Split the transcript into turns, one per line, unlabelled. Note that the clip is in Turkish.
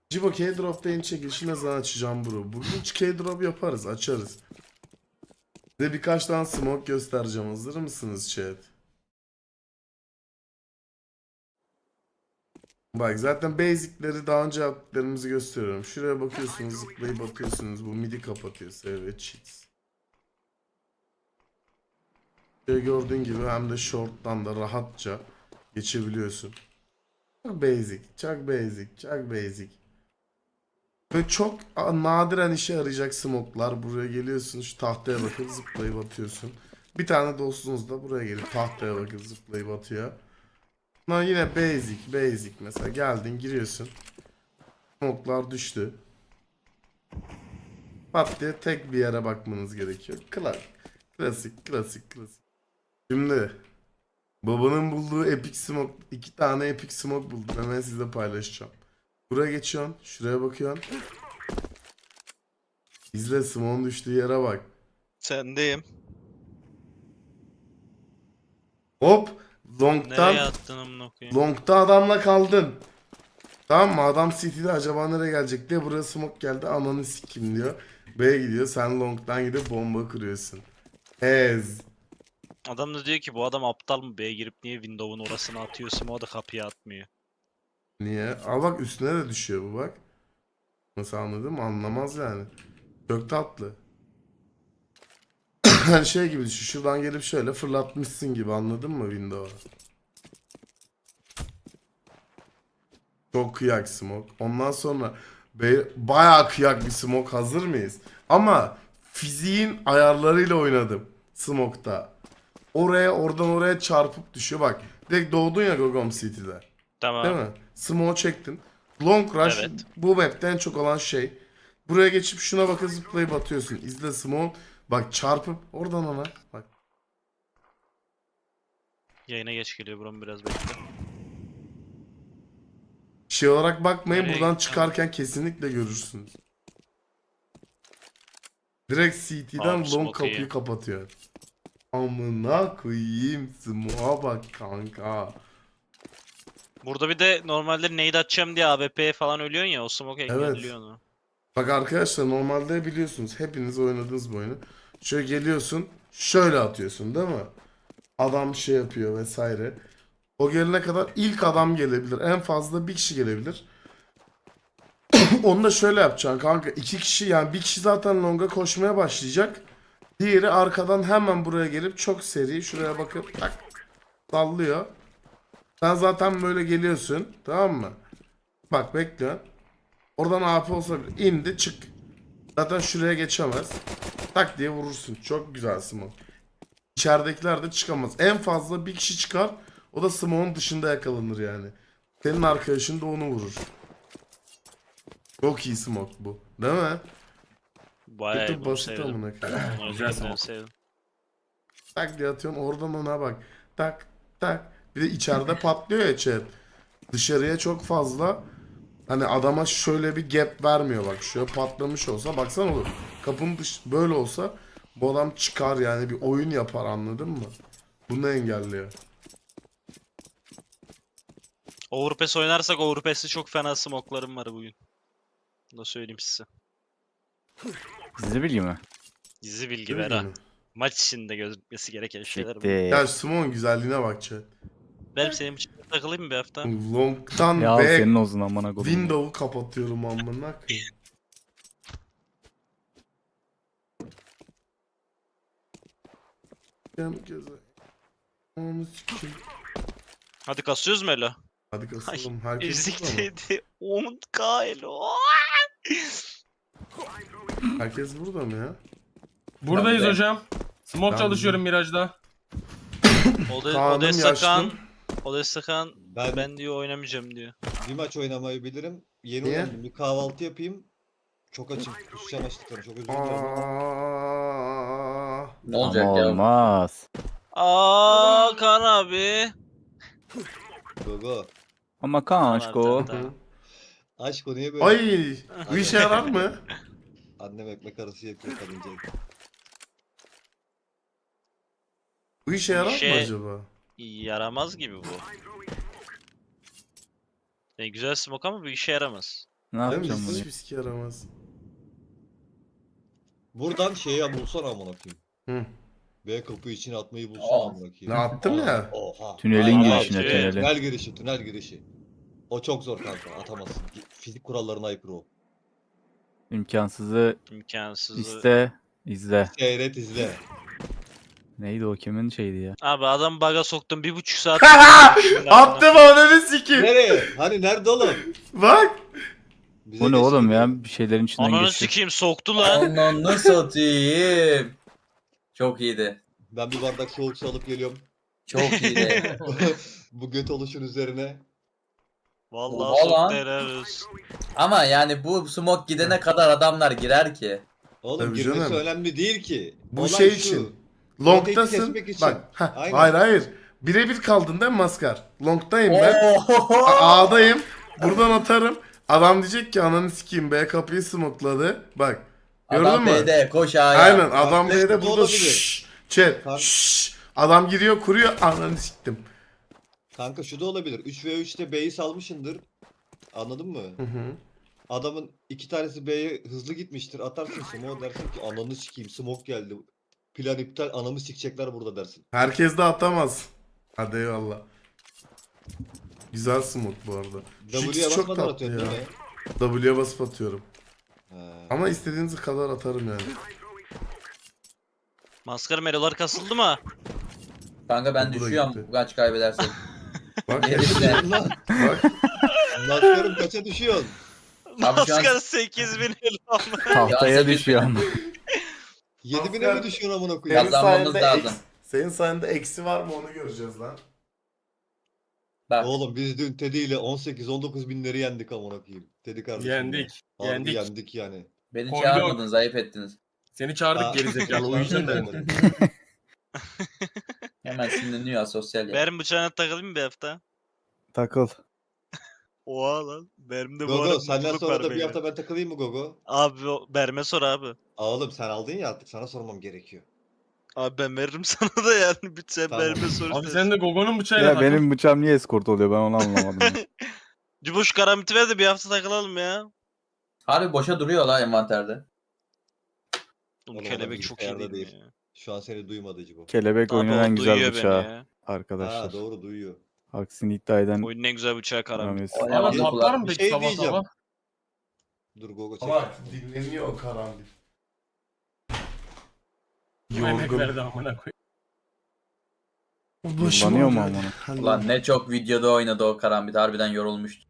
Cibo K-Drop'ta yeni çekilişi ne zaman açacağım bro? Bugün hiç K-Drop yaparız, açarız. Size birkaç tane smoke göstereceğim. Hazır mısınız chat? Bak zaten basic'leri daha önce yaptıklarımızı gösteriyorum. Şuraya bakıyorsunuz, zıplayıp atıyorsunuz. Bu midi kapatıyor. Save cheats. Şöyle gördüğün gibi hem de short'tan da rahatça geçebiliyorsun. Çok basic, çok basic, çok basic. Böyle çok nadiren işe yarayacak smoke'lar. Buraya geliyorsun, şu tahtaya bakıp zıplayıp atıyorsun. Bir tane dostunuz da buraya gelip tahtaya bakıp zıplayıp atıyor. Lan yine basic mesela geldin giriyorsun. Smoke'lar düştü. Pat diye tek bir yere bakmanız gerekiyor. Klasik. Şimdi babanın bulduğu epic smoke, iki tane epic smoke buldum. Hemen size paylaşacağım. Buraya geçiyorsun, şuraya bakıyorsun. İzle smoke'un düştüğü yere bak.
Sendeyim.
Hop, long'tan,
Nereye attın amına koyayım?
long'ta adamla kaldın. Tamam mı? Adam City'de acaba nereye gelecek diye buraya smoke geldi. Ananı sikim diyor. B'ye gidiyor. Sen long'dan gidip bomba kuruyorsun. Ez.
Adam da diyor ki bu adam aptal mı? B'ye girip niye Windows'un orasına atıyorsun? O da kapıya atmıyor.
Niye? Aa bak üstüne de düşüyor bu bak. Nasıl anladın mı? Anlamaz yani. Çok tatlı. Hani şey gibi düşün. Şuradan gelip şöyle fırlatmışsın gibi anladın mı Windows'a? Çok kıyak smoke. Ondan sonra bayağı kıyak bir smoke, hazır mıyız? Ama fiziğin ayarlarıyla oynadım smoke'ta. Oradan oraya çarpıp düşüyor bak. Direkt doğdun ya Gogom City'de. Değil
Tamam.
mi? Smoke çektin. Long rush
Evet.
bu map'te en çok olan şey. Buraya geçip şuna bakıp zıplayıp atıyorsun. İzle smoke. Bak çarpıp oradan ona. Bak.
Yayına geç geliyor buram, biraz bekle.
Şey olarak bakmayın,
Nereye
buradan
gittin?
çıkarken kesinlikle görürsünüz. Direkt
Abi
CT'den long
smoke iyi.
kapıyı kapatıyor. Amına koyayım, smoke'a bak kanka.
Burada bir de normalde nade atacağım diye AWP'ye falan ölüyorsun ya, o smoke
Evet.
engelliyor onu.
Bak arkadaşlar, normalde biliyorsunuz, hepiniz oynadınız bu oyunu. Şöyle geliyorsun, şöyle atıyorsun değil mi? Adam şey yapıyor vesaire. O gelene kadar ilk adam gelebilir. En fazla bir kişi gelebilir. Onu da şöyle yapacaksın kanka. İki kişi, yani bir kişi zaten longa koşmaya başlayacak. Diğeri arkadan hemen buraya gelip çok seri şuraya bakıp tak sallıyor. Sen zaten böyle geliyorsun, tamam mı? Bak bekliyorsun. Oradan AP olsa bile indi çık. Zaten şuraya geçemez. Tak diye vurursun. Çok güzel smoke. İçeridekiler de çıkamaz. En fazla bir kişi çıkar. O da smoke'un dışında yakalanır yani. Senin arkadaşın da onu vurur. Çok iyi smoke bu. Değil mi?
Bayağı iyi,
Kötü
bunu
basit
sevdim.
amına koyayım.
Onu
Güzel
özellikle
smoke.
sevdim.
Tak diye atıyorsun, oradan ona bak. Tak tak. Bir de içeride patlıyor ya chat. Dışarıya çok fazla. Hani adama şöyle bir gap vermiyor bak. Şöyle patlamış olsa baksana olur. Kapının dış böyle olsa bu adam çıkar yani, bir oyun yapar, anladın mı? Bunu engelliyor.
Overpass oynarsak Overpass'te çok fena smoke'larım var bugün. Bunu da söyleyeyim size.
Gizli bilgi mi?
Dizi bilgi
Değil
ver ha.
mi?
Maç içinde gözükmesi gereken şeyler bu.
Siktir.
Ya Simon güzelliğine bak chat.
Benim senin için takılayım mı bir hafta?
Long'tan
Ya
ve
senin olsun amına kodum.
window'u kapatıyorum amına koyayım. Gel göze. Ananı sikeyim.
Hadi kasıyoruz mu Elo?
Hadi kasalım. Herkes
Ezik
burada mı?
dedi. 10k Elo.
Herkes burada mı ya?
Buradayız
Ben de.
hocam. Smoke
Ben
çalışıyorum Mirage'da.
Kaan'ım
Odessa Kaan.
yaşlım.
Odessa Kaan
Ben,
ben diyor oynamayacağım diyor.
bir maç oynamayı bilirim. Yeni
Niye?
uyandım. Bir kahvaltı yapayım. Çok açım. Kusacağım açlıktan. Çok özür dilerim ama.
Aa,
Ne
Ama
olacak ya?
olmaz.
Aa Kaan abi.
Gogo.
Ama
Tamam abi,
kanşko.
tamam.
Aşk o niye böyle?
ay, bu işe yarar mı?
Annem ekmek arası yapıyor kadınca.
Bu işe yarar mı
İşe-
acaba?
Yaramaz gibi bu. Yani güzel smoke ama bir işe yaramaz.
Ne
Değil mi?
yapacağım bunu?
Hiçbir sike yaramaz.
Buradan şeyi bulsana amına koyayım.
Hı.
B kapı içine atmayı bulsana
Oh.
amına koyayım.
Ne attım ya?
Oha.
Tünelin
Aynen.
girişine,
Aynen.
tünelin.
Tünel girişi, tünel girişi. O çok zor kanka, atamazsın. Fizik kurallarına aykırı o.
İmkansızı
İmkansız.
iste, izle.
Seyret izle.
Neydi o, kimin şeydi ya?
Abi adam baga soktum 1,5 saat.
Attım ananı sikeyim.
Nereye? Hani nerede oğlum?
Bak.
Bize
Bu ne
geçti
oğlum
diyor.
ya? Bir şeylerin içinden
Ananı
geçti.
sikeyim soktu lan.
Ananı satayım. Çok iyiydi.
Ben bir bardak soğuk su alıp geliyorum.
Çok iyiydi.
Bu göt oluşun üzerine.
Vallahi
Oha lan.
soktu helal olsun.
Ama yani bu smoke gidene kadar adamlar girer ki.
Oğlum
Tabii
girmesi
canım.
önemli değil ki.
Bu
Olay
şey
şu.
için.
Rotate'i
Long'tasın.
kesmek için.
Bak. heh,
Aynen.
hayır hayır. Birebir kaldın değil mi maskar? Long'dayım ben.
Oho!
A'dayım. Buradan atarım. Adam diyecek ki ananı sikeyim B kapıyı smokladı. Bak. Gördün
Adam
mü?
B'de koş A'ya.
Aynen adam
Kardeş,
B'de
bu
burada
olabilir.
şşş. Chat.
Kar-
şşş. Adam giriyor kuruyor ananı siktim.
Kanka şu da olabilir. 3v3'te B'yi salmışındır. Anladın mı?
Hı hı.
Adamın iki tanesi B'ye hızlı gitmiştir. Atarsın smoke dersin ki ananı sikeyim smoke geldi. Plan iptal anamı sikecekler burada dersin.
Herkes de atamaz. Hadi eyvallah. Güzel smoke bu arada. Şu
W'ye
ikisi çok
basmadan
tatlı
atıyorsun
ya.
değil mi?
W'ye basıp atıyorum.
He.
Ama istediğiniz kadar atarım yani.
Maskara melolar kasıldı mı?
Kanka ben
Bu da
düşüyorum
gitti.
kaç kaybedersek.
Bak.
Gerisi.
Lan
bak.
Maskarım kaça düşüyorsun?
Abi şu an-
Maskara 8000 elo.
Tahtaya
Ya,
düşüyor ama.
7000'e mi düşüyorsun amına koyayım?
Senin Kazanmamız lazım.
Senin sayende eksi var mı onu göreceğiz lan.
Bak
Oğlum biz dün Teddy ile 18-19 binleri yendik amına koyayım. Teddy kardeşim.
Yendik.
Harbi
Yendik.
yendik yani.
beni
Koyduk.
çağırmadınız ayıp ettiniz.
Seni çağırdık
Aa.
gerizekalı o yüzden de.
Hemen sinirleniyor asosyal ya.
Benim bıçağına takılayım mı bir hafta?
Takıl.
Oha lan. Benim de bu arada
Gogo senden
mutluluk
sonra
var
da bir
beyler.
hafta ben takılayım mı Gogo?
Abi Berme sor abi.
Oğlum sen aldın ya artık sana sormam gerekiyor.
Abi ben veririm sana da yani. Bir sen
Tamam.
Berme sor.
Abi
istersen.
sen de Gogo'nun bıçağıyla
Ya
takıl.
benim bıçağım niye eskort oluyor ben onu anlamadım. ya.
Cubuş karamiti ver de bir hafta takılalım ya.
Harbi boşa duruyor la envanterde.
Oğlum
Oğlum,
kelebek
adam
çok iyi
bilgisayarda
değil mi
değil.
ya?
Şu an seni duymadı Cibo.
Kelebek
Abi
oyunun
o
en güzel
duyuyor beni
bıçağı
ya.
arkadaşlar.
Ha doğru duyuyor.
Aksini iddia eden
Oyunun en güzel bıçağı karamit.
Ramiz.
O ne
Ama
var?
saplar mı
Bir
peki
şey
sabah
diyeceğim.
sabah?
Dur Gogo çek.
Ama dinleniyor o karanlık.
Emek
Yorgun.
verdi amına koyayım.
Başım
Kullanıyor mu
ağrıyor.
amına?
Hadi.
Ulan ne çok videoda oynadı o karambit harbiden yorulmuştu.